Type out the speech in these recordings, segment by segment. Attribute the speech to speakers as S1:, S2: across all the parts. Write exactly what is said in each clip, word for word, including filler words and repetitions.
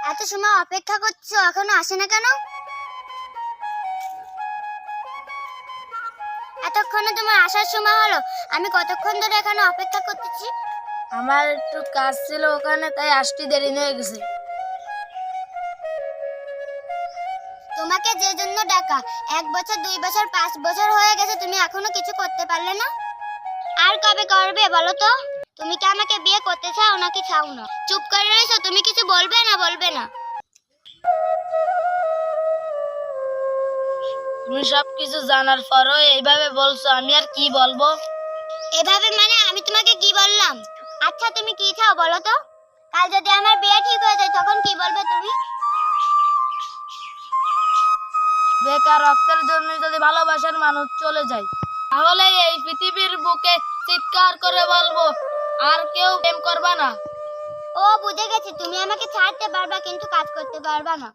S1: এত সময় অপেক্ষা করছো, এখনো আসে না কেন? এতক্ষণে তোমার আসার সময় হলো, আমি কতক্ষণ ধরে এখানে অপেক্ষা করতেছি।
S2: আমার একটু কাজ ছিল ওখানে, তাই আসতে দেরি হয়ে গেছে।
S1: তোমাকে যে জন্য ডাকা, এক বছর দুই বছর পাঁচ বছর হয়ে গেছে, তুমি এখনো কিছু করতে পারলে না। আর কবে করবে বলো তো? তুমি কি আমাকে বিয়ে করতে চাও নাকি চাও না? চুপ করে রয়েছো, তুমি কিছু বলবে না বলবে না?
S2: তুমি সবকিছু জানার পরও এইভাবে বলছো, আমি আর কি বলবো?
S1: এভাবে মানে আমি তোমাকে কি বললাম? আচ্ছা তুমি কি চাও বলো তো? কাল যদি আমার বিয়ে ঠিক হয়ে যায় তখন কি বলবে তুমি?
S2: বেকার রক্তের জন্য যদি ভালোবাসার মানুষ চলে যায়, তাহলে এই পৃথিবীর বুকে চিৎকার করে বলবো, আর কেউ প্রেম করবা না।
S1: ও বুঝে গেছি, তুমি আমাকে ছাড়তে পারবা কিন্তু কাজ করতে পারবা না।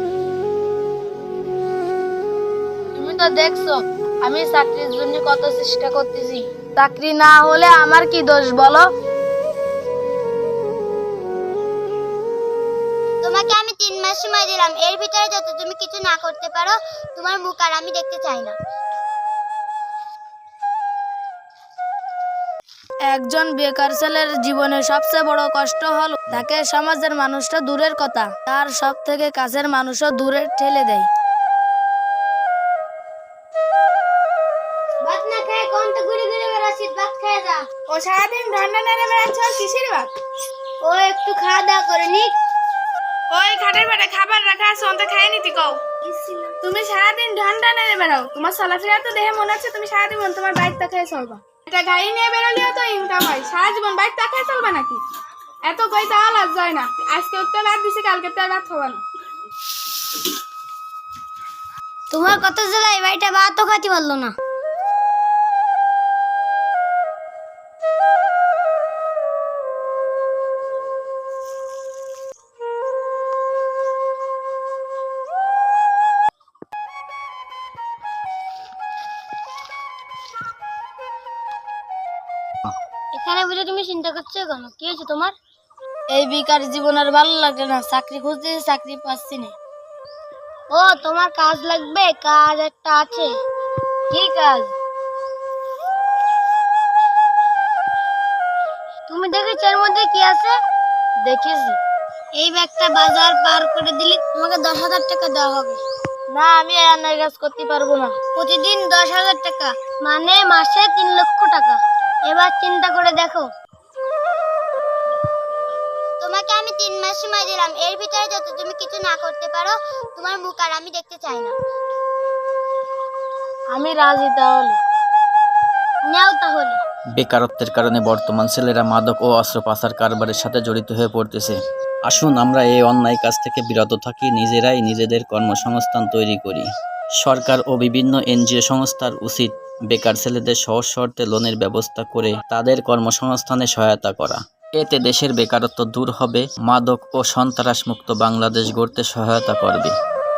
S2: তুমি তো দেখছো আমি চাকরির জন্য কত চেষ্টা করতেছি। চাকরি না হলে আমার কি দোষ বলো?
S1: তোমাকে আমি তিন মাস সময় দিলাম, এর ভিতরে যত তুমি কিছু না করতে পারো, তোমার মুখ আর আমি দেখতে চাই না।
S2: একজন বেকার ছেলের জীবনে সবচেয়ে বড় কষ্ট হলো তাকে সমাজের মানুষটা দূরের কথা, তার সব থেকে কাছের মানুষও দূরে ঠেলে দেয়।
S1: ভাত না খেয়ে কোন তো ঘুরে ঘুরে বেড়াচ্ছিস, ভাত খেয়ে যা।
S3: ও সারাদিন ঠান্ডা নেড়ে বেড়াচ্ছ, কিসের ভাত?
S1: ও একটু খাওয়া দাওয়া করে নিক।
S3: ওই খাটের পেটে খাবার রাখা আছে, অন্ত খাই নিতি কও। তুমি সারাদিন ঠান্ডা নেড়ে বেড়াও, তোমার চলাফেরা তো দেখে মনে হচ্ছে তুমি সারাদিন তোমার বাইক তাকায় চলবা। এটা গাড়ি নিয়ে বেরোলেও তো ইনকাম হয়, সারা জীবন বাইক তাকায় চলবা নাকি? এত কই তাও লাজ যায় না। আজকে তো ভাত দিছি, কালকে তো আর ভাত খাবা না।
S1: তোমার কত জ্বালা, এই বাড়িটা ভাতও খাতে পারলো না। এখানে বুঝে তুমি চিন্তা করছো কেন? কি হয়েছে তোমার?
S2: এই বেকার জীবন আর ভালো লাগে না, চাকরি খুঁজতেছি চাকরি পাচ্ছি না।
S1: ও তোমার কাজ লাগবে? কাজ একটা আছে।
S2: কি কাজ?
S1: তুমি দেখেছো এর মধ্যে কি আছে?
S2: দেখেছি।
S1: এই ব্যাগটা বাজার পার করে দিলে তোমাকে দশ হাজার টাকা দেওয়া হবে।
S2: না, আমি অন্যায় কাজ করতে পারবো না।
S1: প্রতিদিন দশ হাজার টাকা মানে মাসে তিন লক্ষ টাকা। এবার চিন্তা করে দেখো। তোমাকে আমি তিন মাস সময় দিলাম, এর ভিতরে যত তুমি কিছু না করতে পারো, তোমার মুখ আর আমি দেখতে চাই না।
S2: আমি রাজি, তাহলে
S1: নাও তাহলে।
S4: বেকারত্বের কারণে বর্তমান ছেলেরা মাদক ও অস্ত্র পাচার কারবারের সাথে জড়িত হয়ে পড়তেছে। আসুন আমরা এই অন্যায় কাজ থেকে বিরত থাকি, নিজেরাই নিজেদের কর্মসংস্থান তৈরি করি। সরকার ও বিভিন্ন এনজিও সংস্থার উচিত বেকার ছেলেদের সহজ শর্তে লোনের ব্যবস্থা করে তাদের কর্মসংস্থানে সহায়তা করা। এতে দেশের বেকারত্ব দূর হবে, মাদক ও সন্ত্রাসমুক্ত বাংলাদেশ গড়তে সহায়তা করবে।